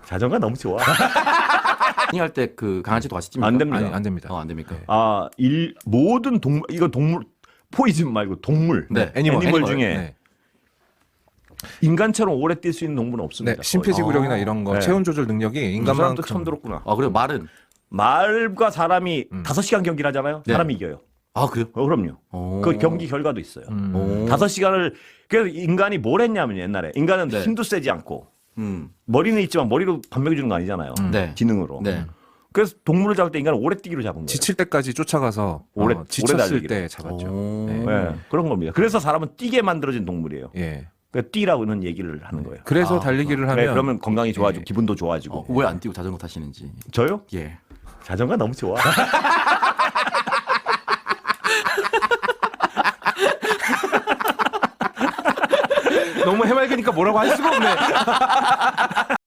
자전거 너무 좋아. 할 때 그 강아지도 같이 찝니까? 안 됩니다. 아니, 안 됩니다. 안 됩니까? 네. 모든 동물, 이거 동물, 포이즌 말고 동물. 네. 애니멀 중에 네. 인간처럼 오래 뛸 수 있는 동물은 없습니다. 네, 심폐지구력이나 거의. 이런 거, 네. 체온 조절 능력이 이 인간만큼 사람도 처음 들었구나. 그래요? 말은? 말과 사람이 5시간 경기를 하잖아요. 네. 사람이 이겨요. 그래요? 그럼요. 오. 그 경기 결과도 있어요. 오. 5시간을 그래서 인간이 뭘 했냐면 옛날에 인간은 네. 힘도 세지 않고 음. 머리는 있지만 머리로 밥 먹여주는 거 아니잖아요. 네. 지능으로. 네. 그래서 동물을 잡을 때 인간은 오래 뛰기로 잡은 거예요. 지칠 때까지 쫓아가서 오래 지쳤을 달리기로. 때 잡았죠. 오. 네. 네, 그런 겁니다. 그래서 사람은 뛰게 만들어진 동물이에요. 예. 그러니까 뛰라고는 얘기를 하는 거예요. 그래서 달리기를 하면 네, 그러면 건강이 좋아지고 예. 기분도 좋아지고. 왜 안 뛰고 자전거 타시는지. 저요? 예. 자전거 너무 좋아. 너무 해맑으니까 뭐라고 할 수가 없네.